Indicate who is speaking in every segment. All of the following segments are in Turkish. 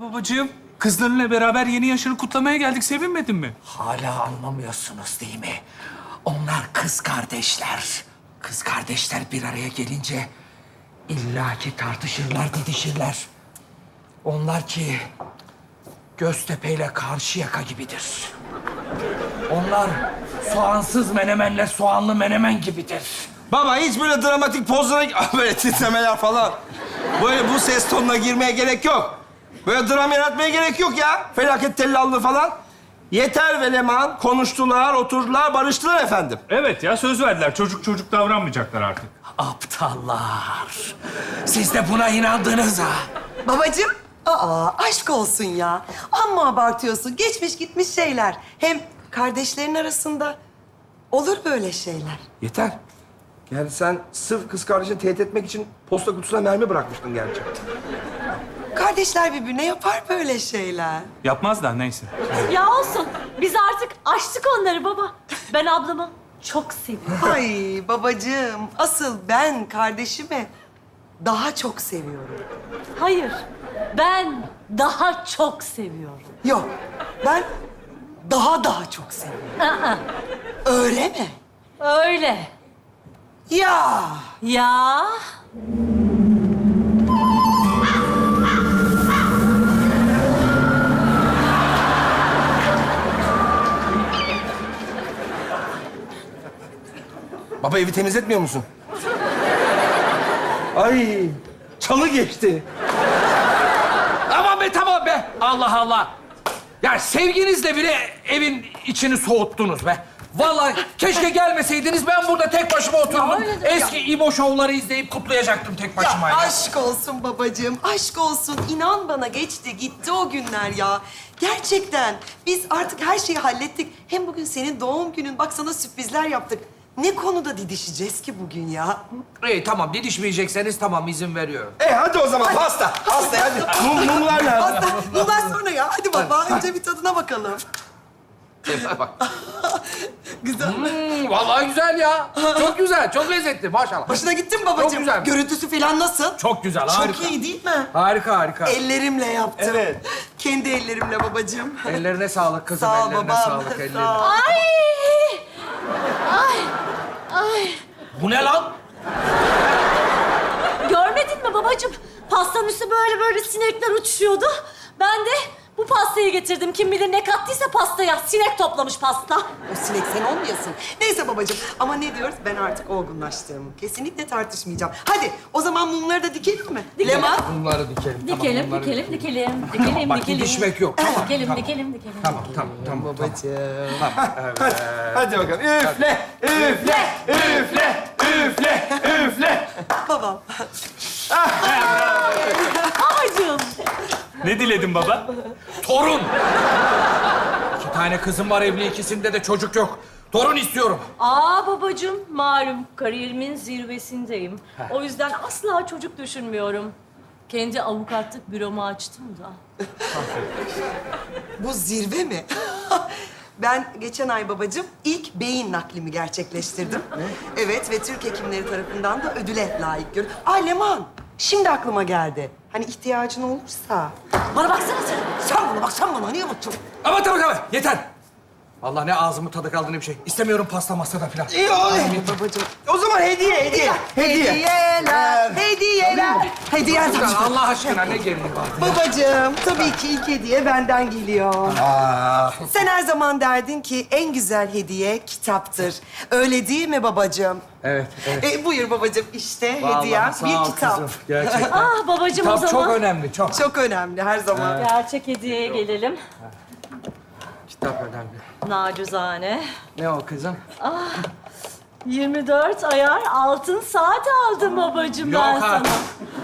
Speaker 1: Babacığım, kızlarınla beraber yeni yaşını kutlamaya geldik. Sevinmedin mi?
Speaker 2: Hala anlamıyorsunuz değil mi? Onlar kız kardeşler. Kız kardeşler bir araya gelince illaki tartışırlar, didişirler. Onlar ki Göztepe ile Karşıyaka gibidir. Onlar soğansız menemenle soğanlı menemen gibidir.
Speaker 3: Baba hiç böyle dramatik pozlara... böyle titremeler falan. Böyle bu ses tonuna girmeye gerek yok. Böyle dram yaratmaya gerek yok ya. Felaket tellallığı falan. Yeter ve Leman. Konuştular, oturdular, barıştılar efendim.
Speaker 1: Evet ya, söz verdiler. Çocuk davranmayacaklar artık.
Speaker 2: Aptallar. Siz de buna inandınız ha.
Speaker 4: Babacığım, aşk olsun ya. Amma abartıyorsun. Geçmiş gitmiş şeyler. Hem kardeşlerin arasında olur böyle şeyler.
Speaker 3: Yeter. Yani sen sırf kız kardeşini tehdit etmek için posta kutusuna mermi bırakmıştın gerçi.
Speaker 4: Kardeşler birbirine yapar böyle şeyler.
Speaker 1: Yapmaz da neyse.
Speaker 5: Ya olsun. Biz artık aştık onları baba. Ben ablamı çok seviyorum.
Speaker 4: Ay babacığım, asıl ben kardeşimi daha çok seviyorum.
Speaker 5: Hayır. Ben daha çok seviyorum.
Speaker 4: Yok, ben daha çok seviyorum.
Speaker 5: Aa,
Speaker 4: Öyle mi?
Speaker 5: öyle.
Speaker 4: Ya.
Speaker 5: Ya.
Speaker 3: Baba evi temizletmiyor musun? Ay, çalı geçti.
Speaker 2: Aman be tamam be. Allah Allah. Ya sevginizle bile evin içini soğuttunuz be. Vallahi keşke gelmeseydiniz, ben burada tek başıma oturdum. Eski İbo şovları izleyip kutlayacaktım tek başıma ya.
Speaker 4: Aşk olsun babacığım, aşk olsun. İnan bana geçti, gitti o günler ya. Gerçekten biz artık her şeyi hallettik. Hem bugün senin doğum günün. Bak sana sürprizler yaptık. Ne konuda didişeceğiz ki bugün ya?
Speaker 2: İyi tamam, didişmeyecekseniz tamam, izin veriyorum.
Speaker 3: Hadi o zaman pasta. Pasta hadi. Mumlar nerede?
Speaker 4: Pasta, bundan sonra ya. Hadi baba, önce bir tadına bakalım.
Speaker 2: Bak.
Speaker 4: Güzel.
Speaker 2: Vallahi güzel ya. Çok güzel, çok lezzetli maşallah.
Speaker 4: Hoşuna gitti mi babacığım?
Speaker 2: Çok güzel.
Speaker 4: Görüntüsü falan nasıl?
Speaker 2: Çok güzel, harika.
Speaker 4: Çok iyi değil mi?
Speaker 2: Harika, harika.
Speaker 4: Ellerimle yaptım.
Speaker 3: Evet.
Speaker 4: Kendi ellerimle babacığım.
Speaker 2: Ellerine sağlık kızım,
Speaker 4: Sağ ol
Speaker 2: ellerine
Speaker 4: babam.
Speaker 2: sağlık, ellerine.
Speaker 4: Sağ ol.
Speaker 5: Ay. Ay. Ay.
Speaker 2: Bu ne lan?
Speaker 5: Görmedin mi babacığım? Pastanın üstü böyle sinekler uçuşuyordu. Ben de bu pastayı getirdim. Kim bilir ne kattıysa pastaya. Sinek toplamış pasta.
Speaker 4: O sinek sen olmayasın. Neyse babacığım ama ne diyoruz? Ben artık olgunlaştım. Kesinlikle tartışmayacağım. Hadi o zaman mumları da dikelim mi?
Speaker 5: Dikelim.
Speaker 4: Leman.
Speaker 2: Bunları dikelim.
Speaker 5: Dikelim,
Speaker 2: bunları
Speaker 5: dikelim.
Speaker 2: Bak, didişmek yok. Tamam,
Speaker 5: Dikelim.
Speaker 2: Tamam.
Speaker 4: Babacığım.
Speaker 3: Hadi bakalım. Üfle, üfle, üfle, üfle, üfle.
Speaker 4: Babam.
Speaker 5: Babacığım.
Speaker 1: Ne diledin baba?
Speaker 2: Torun! 2 tane kızım var evli, ikisinde de çocuk yok. Torun istiyorum.
Speaker 5: Babacığım, malum kariyerimin zirvesindeyim. O yüzden asla çocuk düşünmüyorum. Kendi avukatlık büromu açtım da.
Speaker 4: Bu zirve mi? Ben geçen ay babacığım ilk beyin naklimi gerçekleştirdim. Evet ve Türk hekimleri tarafından da ödüle layık görüldüm. Leman, şimdi aklıma geldi. Hani ihtiyacın olursa.
Speaker 5: Bana baksana sen.
Speaker 4: Sen bana niye bakıyorsun?
Speaker 2: Ama tamam, yeter. Vallahi ne ağzımın tadı kaldı ne bir şey. İstemiyorum pasta masada falan.
Speaker 3: İyi
Speaker 4: Babacığım.
Speaker 3: O zaman hediye.
Speaker 4: Hediyeler.
Speaker 2: Allah aşkına ne gereği var?
Speaker 4: Babacığım, tabii ki ilk hediye benden geliyor. Sen her zaman derdin ki en güzel hediye kitaptır. Öyle değil mi babacığım?
Speaker 2: Evet.
Speaker 4: Buyur babacığım, işte
Speaker 2: Vallahi
Speaker 4: hediyem
Speaker 2: sağ
Speaker 4: bir
Speaker 2: ol
Speaker 4: kitap.
Speaker 2: kızım, gerçekten.
Speaker 5: Babacığım o
Speaker 2: Kitap
Speaker 5: zaman.
Speaker 2: çok önemli, çok.
Speaker 4: Çok önemli her zaman.
Speaker 5: Gerçek hediyeye gelelim.
Speaker 2: Kitap önemli.
Speaker 5: Nacizane.
Speaker 2: Ne o kızım?
Speaker 5: 24 ayar altın saat aldım babacığım ben
Speaker 2: Yok
Speaker 5: sana.
Speaker 2: artık.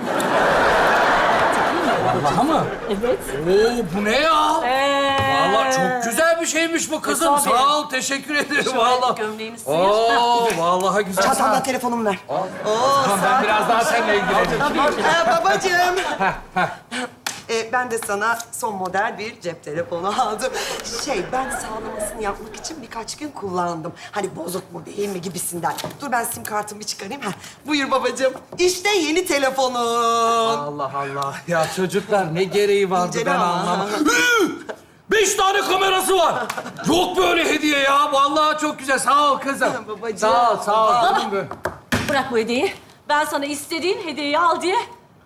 Speaker 2: Vallahi mı?
Speaker 5: Evet.
Speaker 2: Oo, bu ne ya? Vallahi çok güzel bir şeymiş bu kızım.
Speaker 5: Tabii.
Speaker 2: Sağ ol, teşekkür ederim
Speaker 5: Şöyle
Speaker 2: vallahi.
Speaker 5: gömleğini sıyır.
Speaker 2: Oo, vallahi güzel.
Speaker 4: Çantamdan telefonumu ver.
Speaker 2: Tamam, ben biraz daha seninle ilgileneyim.
Speaker 4: Babacığım. Ben de sana son model bir cep telefonu aldım. Ben sağlamasını yapmak için birkaç gün kullandım. Hani bozuk mu değil mi gibisinden. Dur ben sim kartımı çıkarayım. Buyur babacığım. İşte yeni telefonun.
Speaker 2: Allah Allah. Ya çocuklar ne gereği vardı
Speaker 4: İncele
Speaker 2: ben
Speaker 4: ama.
Speaker 2: anlamadım. 5 tane kamerası var. Yok böyle hediye ya. Vallahi çok güzel. Sağ ol kızım.
Speaker 4: Babacığım.
Speaker 2: Sağ ol, sağ ol.
Speaker 5: Baba.
Speaker 2: Canım benim.
Speaker 5: Bırak bu hediyeyi. Ben sana istediğin hediyeyi al diye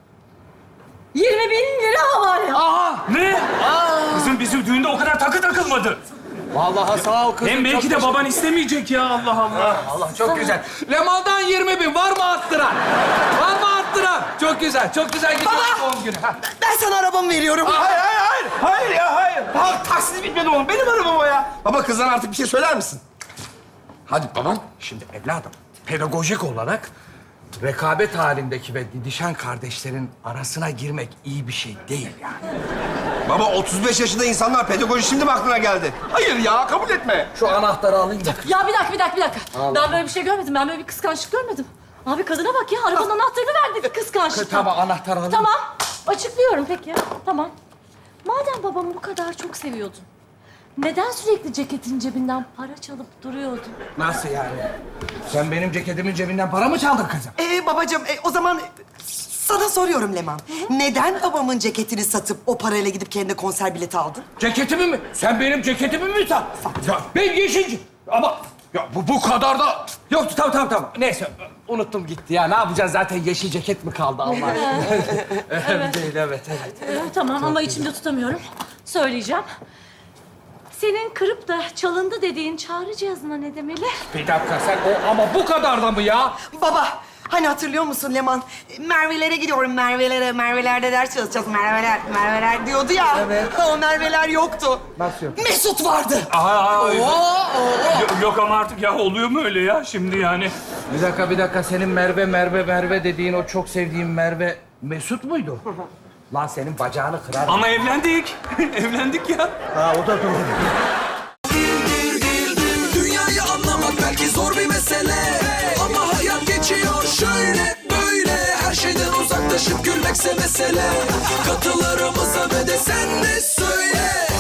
Speaker 5: 20.000 lira var ya.
Speaker 2: Aha.
Speaker 1: Ne? Kızım bizim düğünde o kadar takı takılmadı.
Speaker 2: Vallahi sağ ol kızım.
Speaker 1: Hem belki
Speaker 2: çok
Speaker 1: de
Speaker 2: teşekkür-
Speaker 1: baban istemeyecek ya Allah Allah.
Speaker 2: Allah çok güzel. Leman'dan 20.000 var mı arttıran? Var mı arttıran? Çok güzel, çok güzel gidiyor doğum günü. Ha.
Speaker 4: Ben sana arabamı veriyorum.
Speaker 3: Hayır, hayır, hayır. Hayır ya, hayır. Taksit bitmedi oğlum. Benim arabam o ya. Baba kızdan artık bir şey söyler misin?
Speaker 2: Hadi babam. Şimdi evladım, pedagojik olarak rekabet halindeki ve didişen kardeşlerin arasına girmek iyi bir şey değil yani.
Speaker 3: Baba 35 yaşında insanlar pedagoji şimdi mi aklına geldi? Hayır ya, kabul etme.
Speaker 2: Şu anahtarı alayım da.
Speaker 5: Ya bir dakika. Ben böyle bir şey görmedim. Ben böyle bir kıskançlık görmedim. Abi kadına bak ya. Arabanın anahtarını verdi kıskançlık.
Speaker 2: Tamam, anahtarı alayım.
Speaker 5: Tamam. Açıklıyorum peki. Tamam. Madem babamı bu kadar çok seviyordun, neden sürekli ceketin cebinden para çalıp duruyordun?
Speaker 2: Nasıl yani? Sen benim ceketimin cebinden para mı çaldın kızım?
Speaker 4: Babacığım o zaman sana soruyorum Leman. Neden babamın ceketini satıp o parayla gidip kendine konser bileti aldın?
Speaker 2: Ceketimi mi? Sen benim ceketimi mi sat? Ya ben yeşil... Ama ya bu kadar da... Yok tamam. Neyse unuttum gitti ya. Ne yapacağız zaten yeşil ceket mi kaldı Allah aşkına? evet.
Speaker 5: Tamam ama içimde tutamıyorum. Söyleyeceğim. Senin kırıp da çalındı dediğin çağrı cihazına ne demeli?
Speaker 2: Bir dakika sen ama bu kadar da mı ya?
Speaker 4: Baba, hani hatırlıyor musun Leman? Merve'lere gidiyorum, Merve'lere. Merve'lerde ders çalışacağız, Merve'ler diyordu ya.
Speaker 2: Evet.
Speaker 4: O Merve'ler yoktu.
Speaker 2: Nasıl yok?
Speaker 4: Mesut vardı.
Speaker 1: Yok ama artık ya oluyor mu öyle ya şimdi yani?
Speaker 2: Bir dakika. Senin Merve dediğin o çok sevdiğin Merve Mesut muydu? Lan senin bacağını kırar.
Speaker 1: Ama evlendik. Evlendik ya.
Speaker 2: Ha o da doğru.
Speaker 6: Dünyayı anlamak belki zor bir mesele, ama hayat geçiyor şöyle böyle. Her şeyden uzaklaşıp gülmekse mesele. Katılarımıza ve de sen de söyle.